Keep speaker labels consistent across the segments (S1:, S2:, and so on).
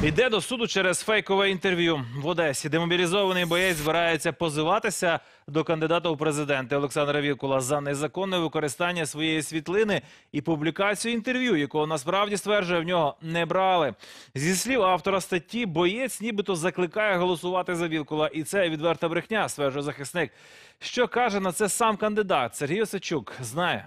S1: Йде до суду через фейкове інтерв'ю. В Одесі демобілізований боєць збирається позиватися до кандидата у президенти Олександра Вілкула за незаконне використання своєї світлини і публікацію інтерв'ю, якого насправді, стверджує, в нього не брали. Зі слів автора статті, боєць нібито закликає голосувати за Вілкула. І це відверта брехня, стверджує захисник. Що каже на це сам кандидат Сергій Осадчук, знає.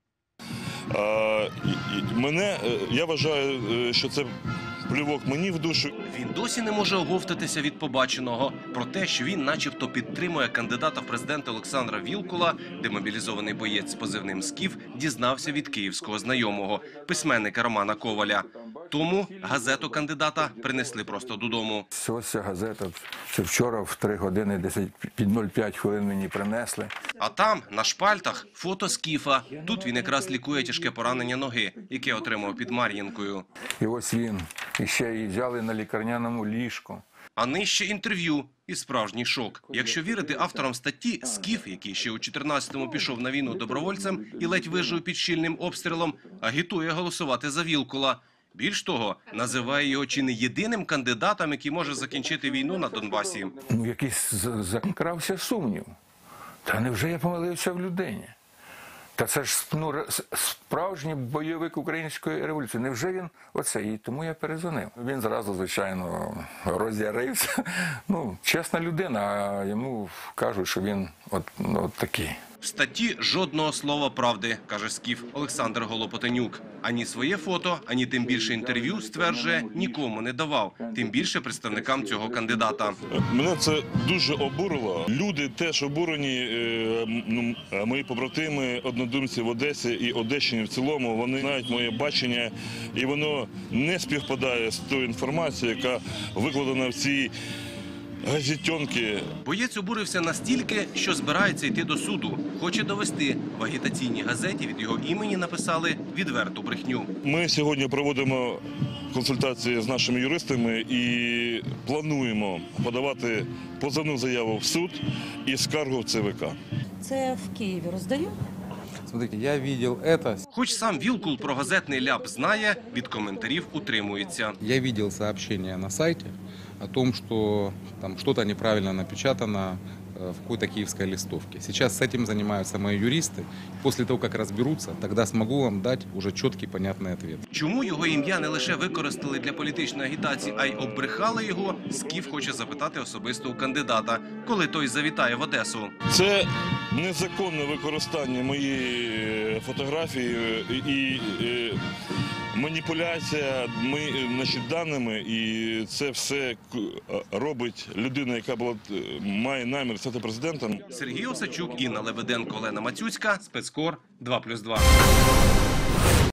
S2: Я вважаю, що це плювок мені в душу.
S3: Він досі не може оговтатися від побаченого. Про те, що він начебто підтримує кандидата в президенти Олександра Вілкула, демобілізований боєць з позивним «Скіф» дізнався від київського знайомого, письменника Романа Коваля. Тому газету кандидата принесли просто додому.
S4: Ось ця газета. Це вчора в 3 години 10 під 05 хвилин мені принесли.
S3: А там, на шпальтах, фото «Скіфа». Тут він якраз лікує тяжке поранення ноги, яке отримав під Мар'їнкою.
S4: І ось він. І ще її взяли на лікарняному ліжку.
S3: А нижче інтерв'ю і справжній шок. Якщо вірити авторам статті, «Скіф», який ще у 14-му пішов на війну добровольцем і ледь вижив під щільним обстрілом, агітує голосувати за Вілкула. Більш того, називає його чи не єдиним кандидатом, який може закінчити війну на Донбасі.
S4: Якийсь закрався сумнів. Та невже я помилився в людині? Та це ж справжній бойовик української революції. Невже він оце? І тому я перезвонив. Він зразу, звичайно, роз'ярився. Чесна людина, а йому кажуть, що він от такий.
S3: В статті жодного слова правди, каже «Скіф» Олександр Голопотенюк. Ані своє фото, ані тим більше інтерв'ю, стверджує, нікому не давав. Тим більше представникам цього кандидата.
S2: Мене це дуже обурило. Люди теж обурені, мої побратими, однодумці в Одесі і Одещині в цілому, вони знають моє бачення, і воно не співпадає з тою інформацією, яка викладена в цій газетенки.
S3: Боєць обурився настільки, що збирається йти до суду. Хоче довести, в агітаційній газеті від його імені написали відверту брехню.
S2: Ми сьогодні проводимо консультації з нашими юристами і плануємо подавати позовну заяву в суд і скаргу в ЦВК.
S5: Це в Києві роздають?
S6: Смотрите, я видел это.
S3: Хоч сам Вілкул про газетний ляп знає, від коментарів утримується.
S6: Я видел сообщение на сайте о том, что там что-то неправильно напечатано в какой-то киевской листовке. Сейчас с этим занимаются мои юристы. После того, как разберутся, тогда смогу вам дать уже четкий, понятный ответ.
S3: Чому його ім'я не лише використали для політичної агітації, а й оббрехали його, «Скіф» хоче запитати особисто у кандидата, коли той завітає в Одесу.
S2: Це незаконне використання моєї фотографії і маніпуляція даними, і це все робить людина, яка має намір стати президентом.
S3: Сергій Осадчук, Інна Лебеденко, Олена Мацюцька, Спецкор 2+2.